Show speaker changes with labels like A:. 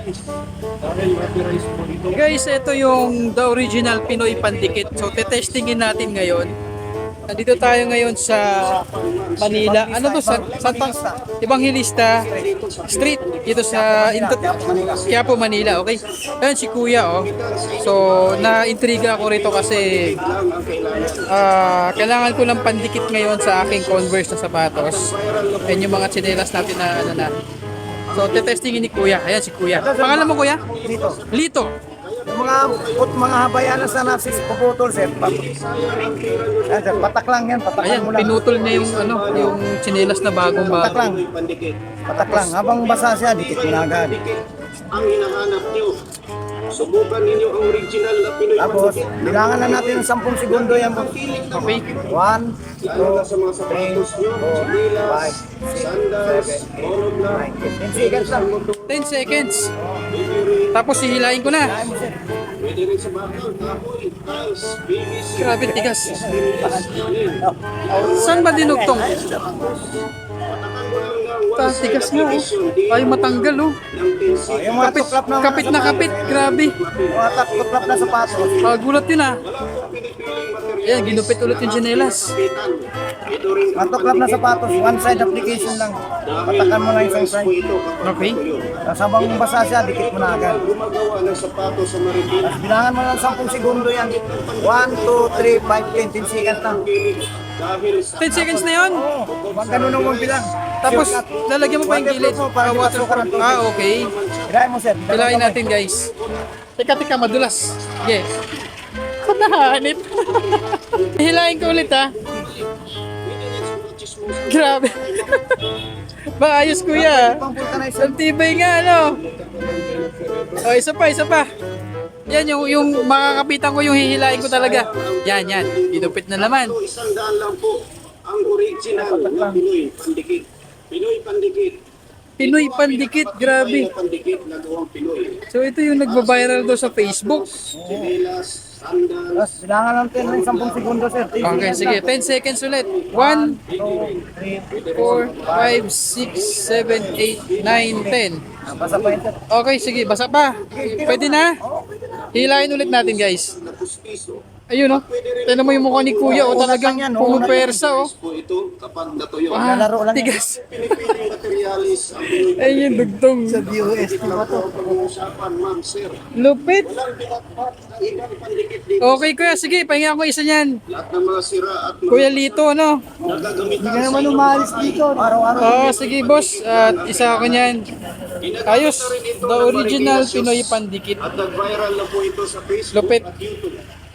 A: Guys, ito yung the original Pinoy Pandikit. So, tetestingin natin ngayon. Nandito tayo ngayon sa Manila. Ano to? Santang Evangelista Street. Dito sa Quiapo, Manila. Okay? Ayun si Kuya, oh. So, na-intriga ako rito kasi kailangan ko ng pandikit ngayon sa aking Converse na sapatos. Ayun yung mga tsinelas natin na ano na. So, tetestingin ni Kuya. Ayan si Kuya. Pangalan mo, Kuya?
B: Dito.
A: Lito.
B: Yung mga habayanas na nasis puputol, sir. Yan, sir. Patak lang yan. Patak
A: Ayan,
B: mo lang.
A: pinutol niya yung ano, yung tsinelas na bagong
B: Patak
A: bago.
B: lang. Patak lang. Habang basa siya, dikit mo na agad.
C: Ang hinahanap nyo. Subukan ninyo ang original na Pinoy
B: Tapos,
C: Pandikit.
B: bilangan na natin ng 10 segundo yan.
A: Okay.
B: 1, 2,
C: Lalo na sa mga
B: 3,
C: sapatos nyo,
B: 4,
C: chinelas,
B: 5,
C: sandals, tulog na,
B: 10 seconds lang.
A: 10 seconds. Tapos hihilain ko na.
B: Kaya mo, sir.
C: pwede rin sa bakal, kahoy, tiles, PVC,
A: Grabe, tigas.
C: stainless, alin.
A: Saan ba dinugtong?
C: Patakan mo lang ng
A: Ta, tigas nga, oh. Ay, matanggal, oh.
C: ng 10 seconds.
B: Yung mga
A: Kapit,
B: tuklap na
A: kapit na kapit. Grabe.
B: Yung mga tuklap na sapatos.
A: Gulat yun, ah.
C: Wala pong pinipiling materialis.
A: Ayan, ginupit ulit yung tsinelas.
C: Kapitan. Ito rin
B: Mga tuklap na sapatos. One side application lang. Patakan mo lang isang side.
A: Okay.
B: Tapos habang basa siya, dikit mo na agad.
C: Gumagawa ng sapatos sa Marikina.
B: Tapos bilangan mo lang 10 segundo yan. 1, 2, 3, 5, 10 seconds lang.
C: Dahil sa
A: 10 seconds na yun.
B: Oo, wag ganun ang magbilang.
A: Tapos, lalagyan mo pa yung gilid.
B: Para di
A: Waterproof.
B: masukan ang tubig.
A: Okay.
B: Hilahin mo, sir.
A: Hilain natin, guys. Teka, madulas. Sige. Ba't nahanip? Hilain ko ulit, ha. Grabe. Ba, ayos, Kuya.
B: Pang vulcanizer.
A: Ang tibay nga, ano? O, isa pa. Yan, yung makakapitan ko, yung hihilain ko talaga. Yan. Dinupit na naman.
C: ito, 100 lang po ang original na Pinoy Pandikit. Pinoy Pandikit.
A: Pinoy Pandikit, grabe.
C: Pinoy Pandikit na gawang Pinoy.
A: So, ito yung nagbabiral daw sa Facebook.
C: Chinelas, sandals,
B: Tapos bilangan natin ng 10 segundo, sir. 10
A: Okay,
B: seconds
A: sige.
B: lang.
A: 10 seconds ulit. 1,
B: 2, 3,
A: 4, 5, 6, 7, 8, 9, 10.
B: basa pa yun, sir.
A: Okay, sige. Basa pa. Pwede na? Hilain ulit natin, guys.
C: na pustiso.
A: Ayun, oh. Tignan mo yung mukha ni Kuya, oh. Talagang
B: Unat lang yan,
A: pumupersa, oh.
C: Po ito kapag natuyo.
A: Ah,
B: Lalaro lang yan.
A: tigas.
C: Pinipiling materialis ang Pinoy
A: Ayun yung dugtong.
B: DOST ba to?
C: pag-uusapan, ma'am, sir.
A: Lupit.
C: Walang pinatpat ng ibang pandikit dito.
A: Okay, Kuya. Sige, pahinga ko isa niyan.
C: Lahat ng mga sira at
A: Kuya Lito, ano?
C: nagagamitan
B: Hindi ka naman umalis dito. Araw-araw.
A: Oh, sige, boss. At isa ako niyan. Ayos. The original Pinoy Pandikit.
C: At nag-viral na po ito sa Facebook
A: Lupit.
C: at YouTube.